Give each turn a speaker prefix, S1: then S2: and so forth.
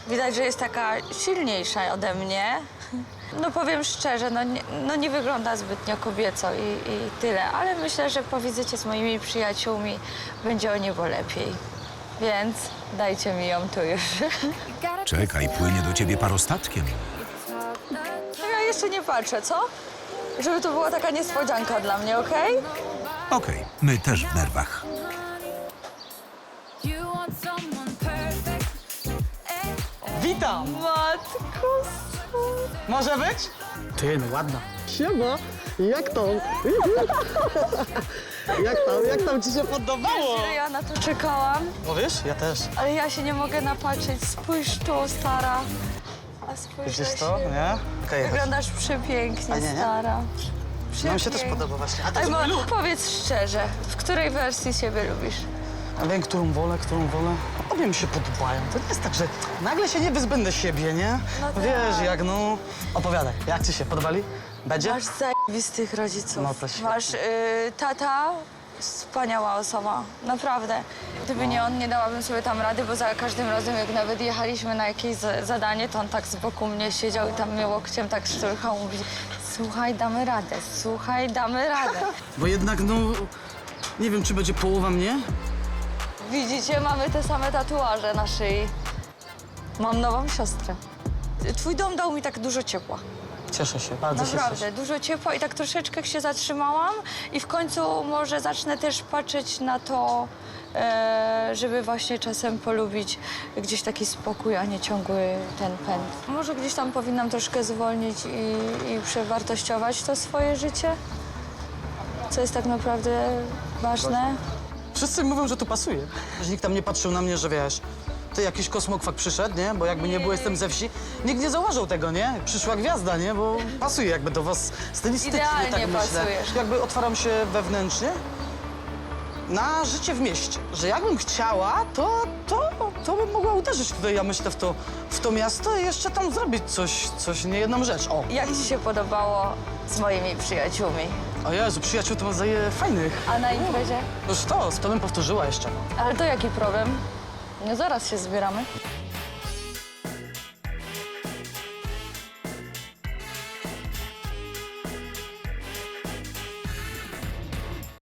S1: Widać, że jest taka silniejsza ode mnie. No powiem szczerze, nie wygląda zbytnio kobieco i tyle, ale myślę, że po wizycie z moimi przyjaciółmi będzie o niebo lepiej. Więc dajcie mi ją tu już.
S2: Czekaj, płynie do ciebie parostatkiem.
S1: Ja jeszcze nie patrzę, co? Żeby to była taka niespodzianka dla mnie, okej?
S2: Okej, my też w nerwach.
S3: Witam!
S1: Matko,
S3: Może być? Ty, no ładna. Siema, jak tam? jak tam ci się podobało?
S1: ja na to czekałam,
S3: No wiesz, ja też.
S1: ale ja się nie mogę napatrzeć. Spójrz tu, stara. A spójrz
S3: Widzisz
S1: na
S3: to,
S1: siebie.
S3: nie? Okej, chodź.
S1: Wyglądasz przepięknie,
S3: A nie?
S1: stara.
S3: Nam się też
S1: Przepięknie.
S3: podoba właśnie. A ty
S1: Ej,
S3: co lubisz?
S1: powiedz szczerze, w której wersji siebie lubisz?
S3: Ja wiem, którą wolę. Obie mi się podobają. To nie jest tak, że nagle się nie wyzbędę siebie, nie?
S1: No tak.
S3: Wiesz, jak no... Opowiadaj, jak ci się podobali? Będzie?
S1: Masz zajebistych rodziców.
S3: No to świetnie.
S1: Masz tata, wspaniała osoba, naprawdę. Gdyby nie on, nie dałabym sobie tam rady, bo za każdym razem, jak nawet jechaliśmy na jakieś zadanie, to on tak z boku mnie siedział i tam mnie łokciem tak szturchał, mówi: słuchaj, damy radę, słuchaj, damy radę.
S3: Bo jednak, no... Nie wiem, czy będzie połowa mnie?
S1: Widzicie, mamy te same tatuaże na szyi. Mam nową siostrę. Twój dom dał mi tak dużo ciepła.
S3: Cieszę się, bardzo się
S1: Naprawdę,
S3: cieszę.
S1: dużo ciepła i tak troszeczkę się zatrzymałam i w końcu może zacznę też patrzeć na to, żeby właśnie czasem polubić gdzieś taki spokój, a nie ciągły ten pęd. Może gdzieś tam powinnam troszkę zwolnić i przewartościować to swoje życie, co jest tak naprawdę ważne.
S3: Wszyscy mówią, że tu pasuje. Że nikt tam nie patrzył na mnie, że wiesz, ty jakiś kosmokwak przyszedł, nie? Bo jakby nie było, jestem ze wsi. Nikt nie zauważył tego, nie? Przyszła gwiazda, nie? Bo pasuje jakby do was stylistycznie,
S1: Idealnie
S3: tak myślę.
S1: pasujesz.
S3: Jakby otwaram się wewnętrznie na życie w mieście. Że jakbym chciała, to bym mogła uderzyć tutaj, ja myślę, w to miasto i jeszcze tam zrobić coś, nie jedną rzecz. O!
S1: Jak ci się podobało z moimi przyjaciółmi?
S3: O Jezu, przyjaciół to ma fajnych.
S1: A na imprezie?
S3: Już to bym powtórzyła jeszcze.
S1: Ale to jaki problem? Nie zaraz się zbieramy.